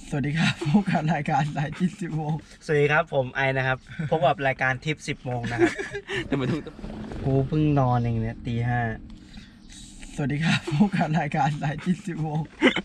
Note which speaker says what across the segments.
Speaker 1: สวัสดีครับพบกับรายการสายทิป10 โมง
Speaker 2: สวัสดีครับผมไอนะครับพบกับรายการทิป10 โมงนะครับ
Speaker 3: แต่มาถึง
Speaker 2: กูเพิ่งนอนเองเนี่ยตี 5
Speaker 1: สวัสดีครับพบกับรายการสายทิป10 โมง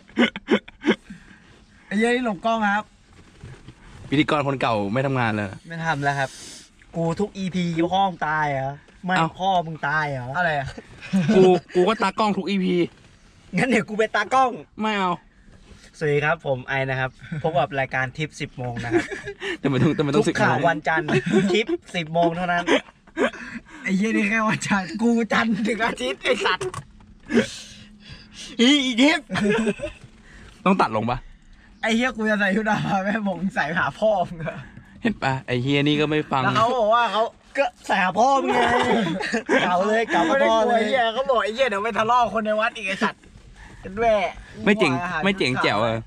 Speaker 1: ไอ้เย้นี่หลบกล้องครับ
Speaker 3: พิธีกรคนเก่าไม่ทำงานเลย
Speaker 2: ไม่ทำแล้วครับกูทุก EP พ่อมึงตายเหรอไม่พ่อมึงตายเหรอ
Speaker 1: อะไรอ่ะ
Speaker 3: กูก็ตากล้องทุก EP
Speaker 2: งั้นเดี๋ยวกูไปตากล้อง
Speaker 3: ไม่เอา
Speaker 2: สวัสดีครับผมไอนะครับพบกับรายการทิป10 โมงนะครับ
Speaker 3: แต่มาถึง
Speaker 2: ทุกข่าววันจันทร์ทิป10 โมงเท่านั้น
Speaker 1: ไอ้เย้นี่แค่วันจันทร์กูจันทร์ถึงอาทิตย์ไอ้สัตว์
Speaker 2: อีทิป
Speaker 3: ต้องตัดลงปะ
Speaker 1: ไอ้เฮียกูจะใส่ชุดดำแม่ผมใส่หาพ่อมึงอะ
Speaker 3: เห็นปะไอ้เฮียนี่ก็ไม่ฟัง
Speaker 1: แล้วเขาบอกว่าเขา
Speaker 2: ก็ใส่หาพ่อมึงไงเก่าเลยเก่าพ่อเลย
Speaker 1: ไอ้เฮียเขาบอกไอ้เฮียเดี๋ยวไปทะเลาะคนในวัดอีกไอ้สัตว์เป็นแม่
Speaker 3: ไม่เจ๋งแจ๋ว
Speaker 4: พี่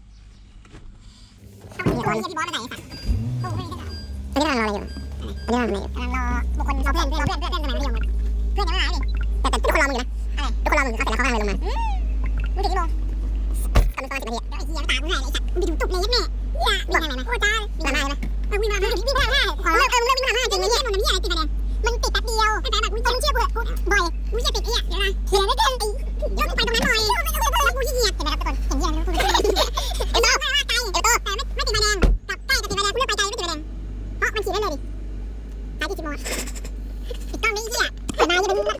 Speaker 4: บอสมาไหนสัตว์ตอนนี้กำลังรออะไรอยู่ตอนนี้กำลังรอบุคคลเราเพื่อนสมัยมัธยมเพื่อนยังไม่มาดิแต่ทุกคนรอมึงอยู่นะทุกคนรอมึงเขาเสร็จแล้วเขาห้ามเลยลงมามึงถึงกี่โมงกำลังตอน10 นาทีไอ้เหี้ยตากูหายเลยไอ้สัตว์มึงดูตุบเลยยัดแม่วิ่งทางไหนนะโอ้จ้าวิ่งทางไหนนะวิ่งทางวิ่งทาง5ขอเลิกมึงเลิกวิ่งทาง5จริงไหมเนี่ยมันอะไรติดคะแนนมันติดแป๊บเดียวแต่แบบมึงเชื่อกูบ่อยมึงจะติดไอ้เดี๋ยวนะเขียนได้เกินยกไปตรงนั้นหน่อยแล้วกูขี้เกียจเห็นไหมครับทุกคนเห็นเหี้ยแล้วกูเอโต้ว่าไกลเอโต้แต่ไม่ติดใบแดงกับใกล้กับติดใบแดงกูเลือกไปไกลไม่ติดใบแดงเพราะมันขี่ได้เลยดิตายที่10 โมงติดต้องไม่เหี้ยแต่นายจะเป็น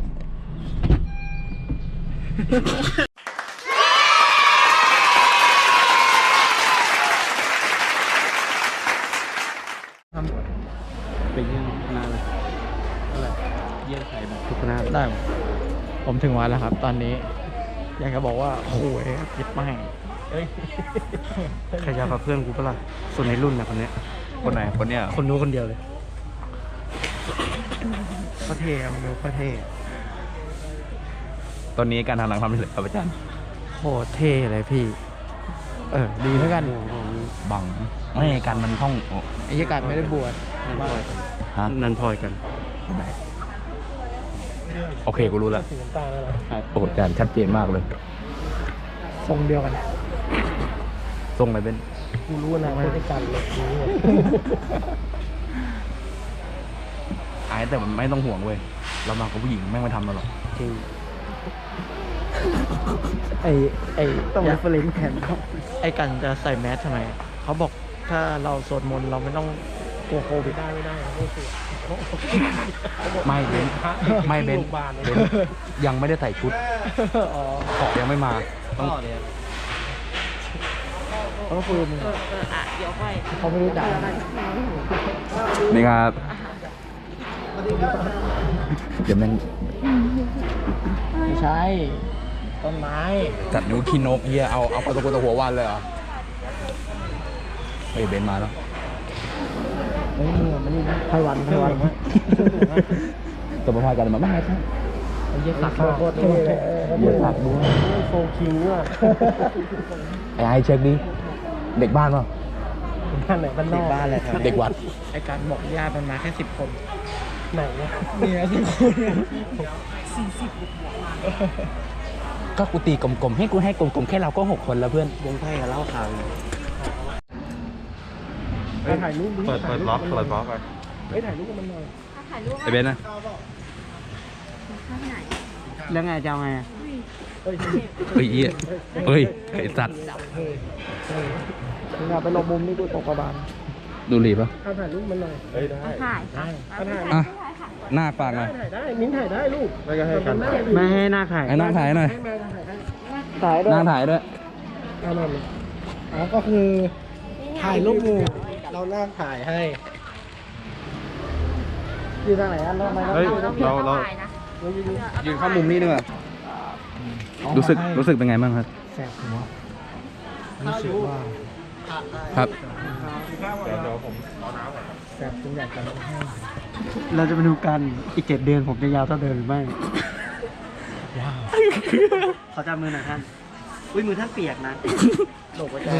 Speaker 3: ไปเยี่ยมนาเลยอะไรเยี่ยมใครแบบทุกคณะ
Speaker 1: ได้ผมถึงวันแล้วครับตอนนี้อยากจะบอกว่าโอ้ยคิดไม่
Speaker 2: ใครจะกับเพื่อนกูเปล่าส่วนในรุ่นนะคนนี้
Speaker 3: คนไหนคนเนี้ย
Speaker 2: คนนู้นคนเดียวเลย
Speaker 1: พระเทพมันดูพระเทพ
Speaker 3: ตอนนี้การทำหนังทำได้เลยครับอาจารย์
Speaker 1: โหเท่เลยพี่ดีเหมือนกัน
Speaker 3: บังไม่การมันท่อง
Speaker 1: ไอ้ยการไม่ได้บวช
Speaker 2: นันพลอยกัน
Speaker 3: โอเคกูรู้แล้วโอ้อาจารย์ชัดเจนมากเลย
Speaker 1: ทรงเดียวกัน
Speaker 3: ทรงอะไรเป็น
Speaker 1: กูรู้นะไม่ได้กันเลย
Speaker 3: ไอ้แต่มันไม่ต้องห่วงเว้ยเรามากับผู้หญิงแม่งไม่ทำเราหรอก
Speaker 1: จริงไอต้องเรฟเฟรนซ์แทนเขาไอกันจะใส่แมสทำไมเขาบอกถ้าเราสวดมนต์เราไม่ต้องกลัวโควิดไม่ได้
Speaker 3: ไม่เบนไม่เบนยังไม่ได้ใส่ชุดขอยังไม่มา
Speaker 1: ต้องคุยมึงเขาไม่รู้จัก
Speaker 3: นี่ครับเดี๋ยวแม่ง
Speaker 1: ไม่ใช่ต้นไม้
Speaker 3: จัดนิ้วขี้นกเฮียเอาไปตัวหัววันเลยเหรอเฮ้ยเบนมาแล้ว
Speaker 1: เฮ้ยมึงมันนี่ไพวัน
Speaker 3: ตัวประพากันมาบ้างไหมครับ
Speaker 1: เยสักโคตรเลย
Speaker 3: เยสักด้วย
Speaker 1: โฟคิวอ่ะ
Speaker 3: ไอ้เช็คดิเด็กบ้านป่ะ
Speaker 1: บ้านไหนบ้านนอก
Speaker 2: บ้านอะไรครับ
Speaker 3: เด็กวัด
Speaker 1: ไอ้การบอกญาติมันมาแค่10 คนไหนเนี่ย10 คน
Speaker 3: ก็กูตีกลมๆให้กลมๆแค่เราก็6 คนแล้วเพื่อน
Speaker 2: วงไพ่กับเล่าข่าว
Speaker 1: ถ่ายรูป
Speaker 3: เปิดบล็อกไป
Speaker 1: ถ่ายรูปกันมันหน่อย
Speaker 3: ไอเบนนะ
Speaker 2: แล้วไงจะเอาไง
Speaker 3: เฮ้ยเฮ้ยไอสัตว์
Speaker 1: อย่าไปลงมุมนี่กูตกกระบาล
Speaker 3: ดูรีป่ะ
Speaker 1: ถ่ายรูปมันหน่อย
Speaker 4: ถ่าย
Speaker 3: อ่ะหน้าปากหน่อย
Speaker 1: ถ่ายได้มิ้นถ่ายได้ลูก
Speaker 2: ไม่ให้หน้าถ่าย
Speaker 3: ไอ้หน้าถ่ายหน่อยหน้าถ่ายด้วย
Speaker 1: ก็คือถ่ายรูปหมู่เราหน้าถ่ายให้ยืนทางไหนเรา
Speaker 3: ยืนเข้ามุมนี้ดีกว่ารู้สึกเป็นไงบ้างครับ
Speaker 1: แสบหัวรู้สึกว่า
Speaker 3: ครับ
Speaker 1: แสบจนอยากจะเราจะไปดูกันอีก7 เดือนผมจะยาวเท่าเดิมหรือไม่
Speaker 2: ว้าวขอจับมือหน่อยท่านอุ้ยมือท่านเปียกนะ
Speaker 1: โลกใจ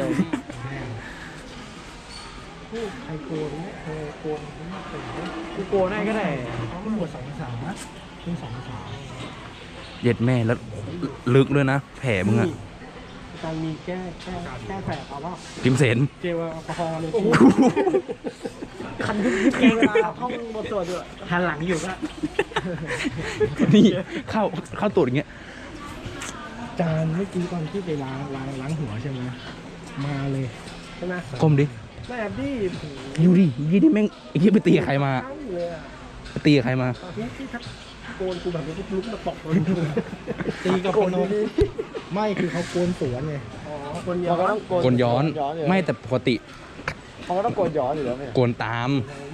Speaker 1: ใครโกนโกนได้ก็ได้ขึ้นบวช2 ภาษาขึ้น2 ภาษา
Speaker 3: เย็ดแม่แล้วลึกด้วยนะแผลมึงอะ
Speaker 2: อาจารย์มีแก้แสบเอาว่า
Speaker 3: พิมเสน
Speaker 2: เจลแอลกอฮอล์เลยคันยิบเกงเวลาท่องบทสวดด้วยหันหลังอยู่ก็
Speaker 3: นี่เข้าตูดอย่างเงี้ย
Speaker 2: จานเมื่อกี้ตอนที่ไปล้างหัวใช่ไหมมาเลยใช่ไหม
Speaker 3: ก้มดิ
Speaker 2: แม่บี้
Speaker 3: อยู่ดิยี่นี่แม่งไอ้ที่ไปตีกับใครมา
Speaker 2: ทั้งเลยอ่ะ
Speaker 3: ไปตีกับใครมา
Speaker 2: ที่ทักโกนกูแบบนี้ลุกมาตกเลย
Speaker 5: ตีกับคนนู้นไม่คือเขาโกนสวนไง
Speaker 2: อ๋อคนย้อน
Speaker 3: โกนย้อน ไม่แต่ปกติ
Speaker 1: เขาก็ต้องโกนย้อนอยู่แล้วไหม
Speaker 3: โกนตาม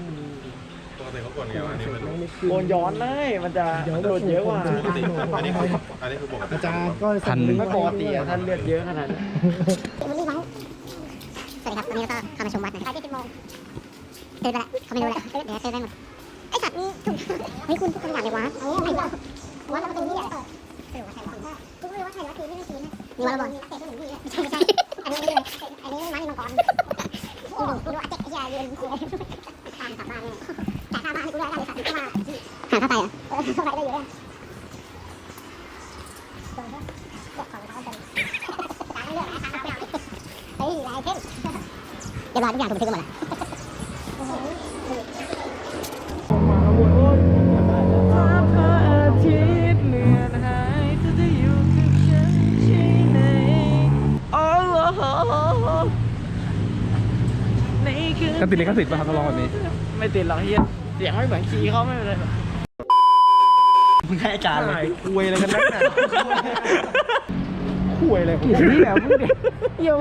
Speaker 1: โกนย้อนเลยมันจะโดนเยอะกว่า
Speaker 5: อันนี้คือปกติอาจารย์ก็
Speaker 3: พัน
Speaker 1: ไม่ปกติอะท่านเลือดเยอะขนาดนั้น
Speaker 4: วันนี้ไว้สวัสดีครับวันนี้ก็เข้ามาชมวัดนะไปที่10 โมงเดินไปละเขาไม่รู้แหละเดี๋ยวเดินไปหมดไอ้สัตว์นี่ถูกเฮ้ยคุณทุกคนอยากเลยวัดไอ้วัดเราเป็นที่เนี่ยสรุปว่าใช่วัดคุณรู้ว่าใช่วัดคือไม่ใช่ทีนะมีวัดบอลเตะที่หนึ่งที่ไม่ใช่อันนี้ม้ามีมังกรกูดูอาเจ๊ไอ้ยาเรียนกูเลยทางกลับบ้านเนี่ยจ่ายค่าบ้านให้กูด้วยได้เลยสัตว์ที่ว่าหาค่าไฟอ่ะค่าไฟได้เยอะเฮ้ยลายเท่เดี๋ยวรอทุกอย่างถูกบันทึกกันหมดแล้ว
Speaker 1: พระอาทิตย์เลือนหายเธอจะอยู่กับฉันใช่ไหมโอ้โหในคืน
Speaker 3: ก็ติดลิขสิทธิ์ป่ะครับต้องร้องแบบนี้
Speaker 1: ไม่ติดหรอกเฮียเสียงไม่เหมือนคีย์เขาไม่เป็นไร
Speaker 2: มึงให้อาจารย์เลย
Speaker 1: คุยอะไรกันนักหนา
Speaker 2: คุยเลย
Speaker 1: เฮียมึงเดี๋ยว